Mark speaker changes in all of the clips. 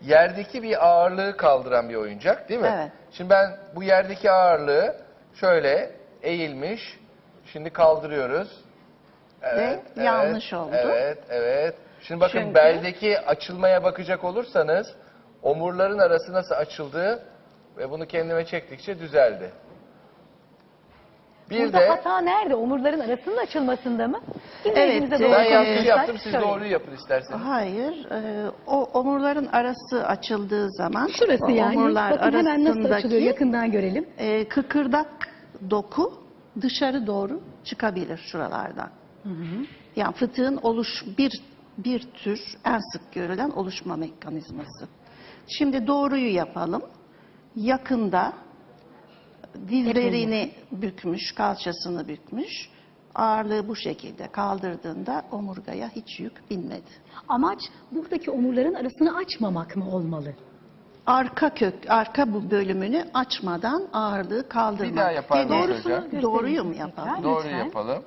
Speaker 1: yerdeki bir ağırlığı kaldıran bir oyuncak değil mi?
Speaker 2: Evet.
Speaker 1: Şimdi ben bu yerdeki ağırlığı şöyle eğilmiş, şimdi kaldırıyoruz. Evet,
Speaker 2: Ve yanlış oldu.
Speaker 1: Evet. Şimdi bakın
Speaker 2: Çünkü-
Speaker 1: beldeki açılmaya bakacak olursanız omurların arası nasıl açıldı ve bunu kendime çektikçe düzeldi. Bir
Speaker 3: Burada
Speaker 1: de
Speaker 3: hata nerede? Omurların arasının açılmasında mı?
Speaker 2: Evet,
Speaker 3: Dinleyicimize doğru
Speaker 1: ben yanlış
Speaker 3: konuşursak
Speaker 1: yaptım, siz
Speaker 3: şöyle.
Speaker 1: doğruyu yapın isterseniz.
Speaker 2: Hayır, o omurların arası açıldığı zaman
Speaker 3: Şurası
Speaker 2: o
Speaker 3: yani.
Speaker 2: omurlar
Speaker 3: Bakın hemen nasıl açılıyor.
Speaker 2: arasındaki
Speaker 3: Yakından görelim.
Speaker 2: kıkırdak doku dışarı doğru çıkabilir şuralardan. Yani fıtığın bir tür en sık görülen oluşma mekanizması. Şimdi doğruyu yapalım. Yakında dizlerini bükmüş, kalçasını bükmüş. Ağırlığı bu şekilde kaldırdığında omurgaya hiç yük binmedi.
Speaker 3: Amaç buradaki omurların arasını açmamak mı olmalı?
Speaker 2: Arka bu bölümünü açmadan ağırlığı kaldırmak.
Speaker 1: Bir daha yapar mısınız hocam?
Speaker 3: gösterin
Speaker 2: Doğruyu mu
Speaker 3: tekrar.
Speaker 2: yapalım?
Speaker 1: Doğru
Speaker 3: Lütfen.
Speaker 1: yapalım.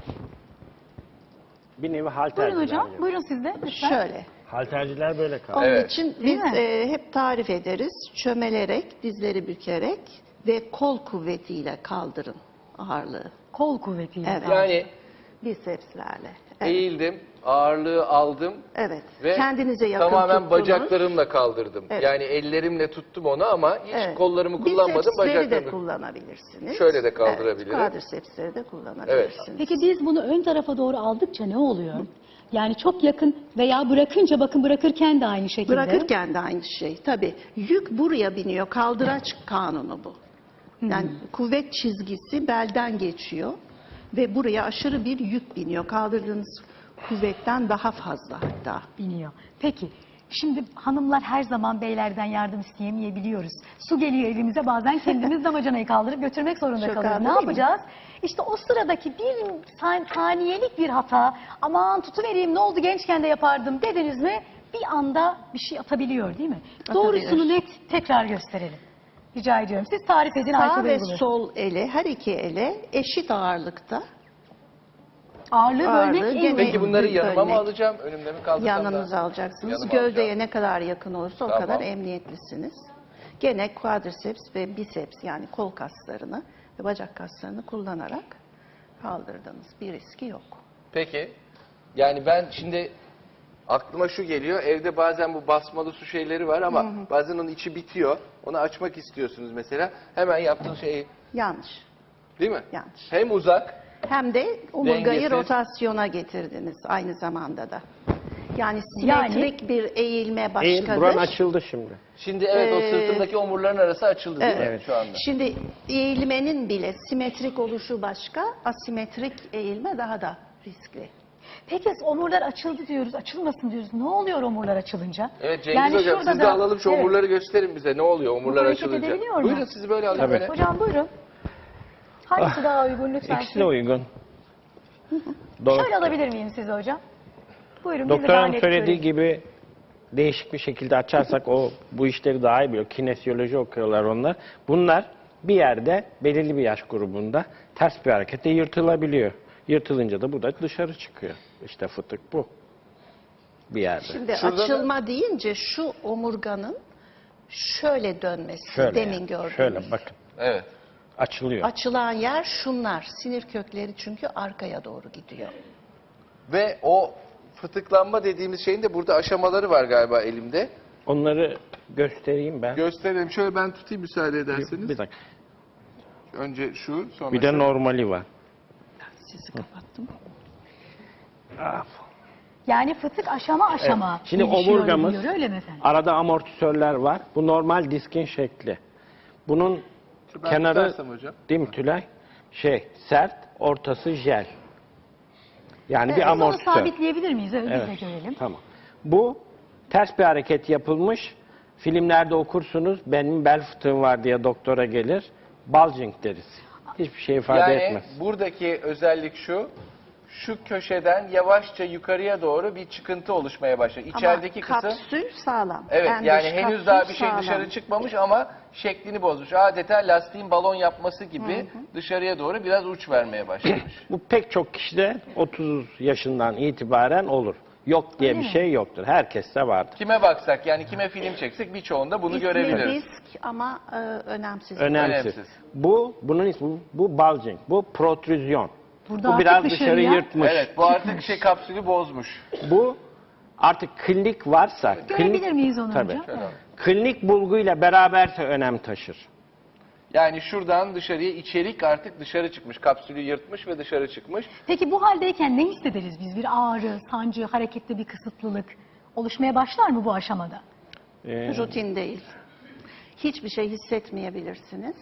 Speaker 4: Bir nevi halterciler
Speaker 3: Buyurun hocam.
Speaker 4: gibi.
Speaker 3: Buyurun siz de. Lütfen.
Speaker 2: Şöyle.
Speaker 4: Halterciler böyle kaldı.
Speaker 2: Onun
Speaker 1: Evet.
Speaker 2: için
Speaker 3: Değil
Speaker 2: biz
Speaker 3: mi?
Speaker 2: hep tarif ederiz. Çömelerek, dizleri bükerek ve kol kuvvetiyle kaldırın ağırlığı.
Speaker 3: Kol kuvvetiyle.
Speaker 2: Evet.
Speaker 1: Yani
Speaker 2: Bisepslerle. Evet.
Speaker 1: eğildim, ağırlığı aldım
Speaker 2: Evet.
Speaker 1: ve
Speaker 2: Kendinize yakın
Speaker 1: tamamen
Speaker 2: tuttunuz.
Speaker 1: bacaklarımla kaldırdım.
Speaker 2: Evet.
Speaker 1: Yani ellerimle tuttum onu ama hiç
Speaker 2: Evet.
Speaker 1: kollarımı kullanmadım,
Speaker 2: Bisepsleri de
Speaker 1: bacaklarımı.
Speaker 2: kullanabilirsiniz.
Speaker 1: Şöyle de kaldırabilirim.
Speaker 2: Evet, quadricepsleri de kullanabilirsiniz.
Speaker 3: Peki biz bunu ön tarafa doğru aldıkça ne oluyor? Yani çok yakın veya bırakınca, bakın bırakırken de aynı şekilde.
Speaker 2: Bırakırken de aynı şey. Tabii yük buraya biniyor. Kaldıraç kanunu bu. Yani kuvvet çizgisi belden geçiyor ve buraya aşırı bir yük biniyor. Kaldırdığınız kuvvetten daha fazla hatta.
Speaker 3: biniyor. Peki. Şimdi hanımlar her zaman beylerden yardım isteyemeyebiliyoruz. Su geliyor evimize, bazen kendimiz damacanayı kaldırıp götürmek zorunda
Speaker 2: Çok
Speaker 3: kalıyoruz.
Speaker 2: haklı
Speaker 3: Ne
Speaker 2: değil mi?
Speaker 3: yapacağız? İşte o sıradaki bir saniyelik bir hata, aman tutuvereyim ne oldu gençken de yapardım dediniz mi, bir anda bir şey atabiliyor değil mi?
Speaker 2: Atabilir.
Speaker 3: Doğrusunu net tekrar gösterelim. Rica ediyorum. Siz tarif edin.
Speaker 2: Sağ
Speaker 3: Ayşe
Speaker 2: ve
Speaker 3: Bey bulur.
Speaker 2: sol ele, her iki ele eşit ağırlıkta.
Speaker 3: Ağırlığı bölmek
Speaker 2: Ağırlığı
Speaker 3: en
Speaker 2: gene-
Speaker 1: Peki bunları yanıma mı
Speaker 2: Bölmek.
Speaker 1: alacağım, önümde mi kaldırsam
Speaker 2: Yanınıza
Speaker 1: da?
Speaker 2: alacaksınız.
Speaker 1: Yanıma
Speaker 2: Gövdeye
Speaker 1: alacağım.
Speaker 2: ne kadar yakın olursa o
Speaker 1: Tamam.
Speaker 2: kadar emniyetlisiniz. Gene quadriceps ve biceps yani kol kaslarını ve bacak kaslarını kullanarak kaldırdınız. Bir riski yok.
Speaker 1: Peki. Yani ben şimdi aklıma şu geliyor. Evde bazen bu basmalı su şeyleri var ama bazen onun içi bitiyor. Onu açmak istiyorsunuz mesela. Hemen yaptığın şey
Speaker 2: Yanlış.
Speaker 1: değil mi?
Speaker 2: Yanlış.
Speaker 1: Hem uzak.
Speaker 2: Hem de omurgayı
Speaker 1: Dengesiz.
Speaker 2: rotasyona getirdiniz aynı zamanda da. Yani simetrik bir eğilme
Speaker 4: Eğil,
Speaker 2: başkadır.
Speaker 4: buran açıldı şimdi.
Speaker 1: Şimdi evet o sırtımdaki omurların arası açıldı değil mi
Speaker 2: Evet.
Speaker 1: şu anda?
Speaker 2: Şimdi eğilmenin bile simetrik oluşu başka, asimetrik eğilme daha da riskli.
Speaker 3: Peki omurlar açıldı diyoruz, açılmasın diyoruz. Ne oluyor omurlar açılınca?
Speaker 1: Evet Cengiz Hocam
Speaker 3: şurada
Speaker 1: siz de
Speaker 3: da-
Speaker 1: alalım şu
Speaker 3: Evet.
Speaker 1: omurları gösterin bize. Ne oluyor omurlar
Speaker 3: hareket
Speaker 1: açılınca?
Speaker 3: edebiliyor mu?
Speaker 1: Buyurun sizi böyle alayım.
Speaker 4: Tabii.
Speaker 1: Böyle.
Speaker 3: Hocam buyurun. Hangisi daha uygun lütfen?
Speaker 4: İkisi de uygun.
Speaker 3: Şöyle alabilir miyim sizi hocam? Buyurun. bizi
Speaker 4: Doktor
Speaker 3: daha
Speaker 4: hanım
Speaker 3: net
Speaker 4: söylediği
Speaker 3: görün.
Speaker 4: gibi değişik bir şekilde açarsak o bu işleri daha iyi biliyor. Kinesiyoloji okuyorlar onlar. Bunlar bir yerde belirli bir yaş grubunda ters bir harekette yırtılabiliyor. Yırtılınca da bu da dışarı çıkıyor. İşte fıtık bu. Bir yerde.
Speaker 2: Şimdi
Speaker 1: Şurada da-
Speaker 2: açılma deyince şu omurganın şöyle dönmesi
Speaker 4: Şöyle
Speaker 2: demin
Speaker 4: yani.
Speaker 2: gördüğünüz.
Speaker 4: Şöyle bakın.
Speaker 1: Evet.
Speaker 4: Açılıyor.
Speaker 2: Açılan yer şunlar. Sinir kökleri çünkü arkaya doğru gidiyor.
Speaker 1: Ve o fıtıklanma dediğimiz şeyin de burada aşamaları var galiba elimde.
Speaker 4: Onları göstereyim ben.
Speaker 1: Gösterelim. Şöyle ben tutayım müsaade ederseniz.
Speaker 4: Bir dakika.
Speaker 1: Önce şu, sonra
Speaker 4: Bir de
Speaker 1: şu.
Speaker 4: normali var.
Speaker 2: Sizi kapattım.
Speaker 3: Yani fıtık aşama aşama.
Speaker 4: Evet. Şimdi
Speaker 3: gelişiyor,
Speaker 4: omurgamız
Speaker 3: gidiyor, öyle mi efendim?
Speaker 4: arada amortisörler var. Bu normal diskin şekli. Bunun
Speaker 1: Ben
Speaker 4: kenarı
Speaker 1: tutarsam hocam.
Speaker 4: değil mi Tülay? Sert, ortası jel. Yani
Speaker 3: Biz
Speaker 4: bir
Speaker 3: onu
Speaker 4: amortisör.
Speaker 3: sabitleyebilir miyiz? Öyle
Speaker 4: Evet.
Speaker 3: biz de görelim.
Speaker 4: Tamam. Bu ters bir hareket yapılmış. Filmlerde okursunuz. Benim bel fıtığım var diye doktora gelir. Bulging deriz. Hiçbir şey ifade
Speaker 1: Yani
Speaker 4: etmez.
Speaker 1: buradaki özellik şu köşeden yavaşça yukarıya doğru bir çıkıntı oluşmaya başlıyor. İçerideki
Speaker 2: Ama
Speaker 1: kısım,
Speaker 2: kapsül sağlam.
Speaker 1: evet
Speaker 2: En
Speaker 1: yani
Speaker 2: dış
Speaker 1: henüz
Speaker 2: kapsül
Speaker 1: daha bir şey
Speaker 2: sağlam.
Speaker 1: dışarı çıkmamış ama şeklini bozmuş. Adeta lastiğin balon yapması gibi dışarıya doğru biraz uç vermeye başlamış.
Speaker 4: Bu pek çok kişide 30 yaşından itibaren olur. Yok diye
Speaker 3: Öyle
Speaker 4: bir
Speaker 3: mi?
Speaker 4: şey yoktur. Herkeste vardır.
Speaker 1: Kime baksak yani kime film çeksek birçoğunda bunu
Speaker 2: İsmi
Speaker 1: görebiliriz.
Speaker 2: risk ama önemsiz.
Speaker 4: Önemsiz.
Speaker 1: Önemsiz.
Speaker 4: Bunun ismi bu bulging, bu protrüzyon.
Speaker 3: Burada
Speaker 4: Bu
Speaker 3: artık
Speaker 4: biraz dışarı
Speaker 3: dışarıya
Speaker 4: yırtmış.
Speaker 1: Evet bu artık şey kapsülü bozmuş.
Speaker 4: Bu artık klinik varsa,
Speaker 3: Görebilir miyiz onu
Speaker 4: Tabii.
Speaker 3: hocam?
Speaker 1: Şöyle.
Speaker 4: Klinik bulguyla beraberse önem taşır.
Speaker 1: Yani şuradan dışarıya içerik artık dışarı çıkmış. Kapsülü yırtmış ve dışarı çıkmış.
Speaker 3: Peki bu haldeyken ne hissederiz biz? Bir ağrı, sancı, harekette bir kısıtlılık oluşmaya başlar mı bu aşamada?
Speaker 2: Rutin değil. Hiçbir şey hissetmeyebilirsiniz.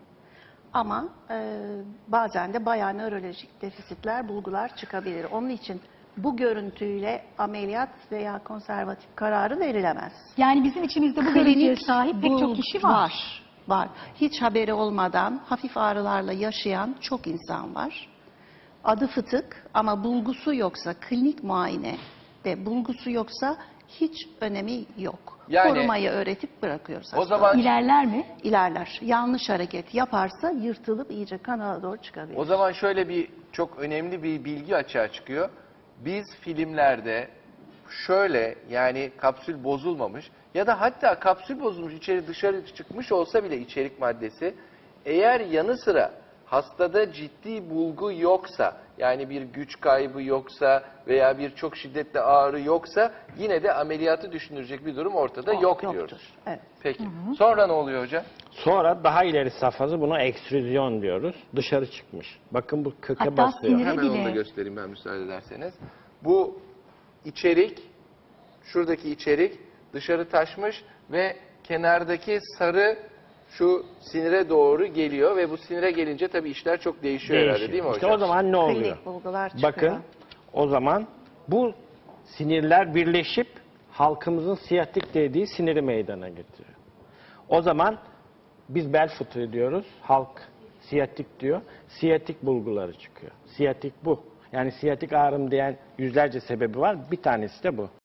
Speaker 2: Ama bazen de bayağı nörolojik defisitler, bulgular çıkabilir. Onun için bu görüntüyle ameliyat veya konservatif kararı verilemez.
Speaker 3: Yani bizim içimizde bu görüntüye sahip pek çok kişi var.
Speaker 2: Var. Hiç haberi olmadan hafif ağrılarla yaşayan çok insan var. Adı fıtık ama bulgusu yoksa, klinik muayene ve bulgusu yoksa hiç önemi yok.
Speaker 1: Yani-
Speaker 2: Korumayı öğretip bırakıyoruz
Speaker 1: O
Speaker 2: hastaları.
Speaker 1: zaman
Speaker 3: İlerler mi?
Speaker 2: İlerler. Yanlış hareket yaparsa yırtılıp iyice kanala doğru çıkabilir.
Speaker 1: O zaman şöyle bir çok önemli bir bilgi açığa çıkıyor. Biz filmlerde şöyle yani kapsül bozulmamış ya da hatta kapsül bozulmuş içeri dışarı çıkmış olsa bile içerik maddesi eğer yanı sıra hastada ciddi bulgu yoksa yani bir güç kaybı yoksa veya bir çok şiddetli ağrı yoksa yine de ameliyatı düşünülecek bir durum ortada yok
Speaker 2: Yoktur.
Speaker 1: diyoruz.
Speaker 2: Evet.
Speaker 1: Peki. Sonra ne oluyor hocam?
Speaker 4: Sonra daha ileri safhası buna ekstrüzyon diyoruz. Dışarı çıkmış. Bakın bu köke
Speaker 3: Hatta
Speaker 4: basıyor.
Speaker 3: sinire-
Speaker 1: Hemen onu da
Speaker 3: bile.
Speaker 1: göstereyim ben müsaade ederseniz. Bu içerik, şuradaki içerik dışarı taşmış ve kenardaki sarı şu sinire doğru geliyor ve bu sinire gelince tabii işler çok değişiyor herhalde değil mi
Speaker 4: İşte
Speaker 1: hocam?
Speaker 4: o zaman ne oluyor?
Speaker 2: Klinik bulgular çıkıyor.
Speaker 4: Bakın o zaman bu sinirler birleşip halkımızın siyatik dediği siniri meydana getiriyor. O zaman biz bel fıtığı diyoruz, halk siyatik diyor. Siyatik bulguları çıkıyor. Siyatik bu. Yani siyatik ağrım diyen yüzlerce sebebi var. Bir tanesi de bu.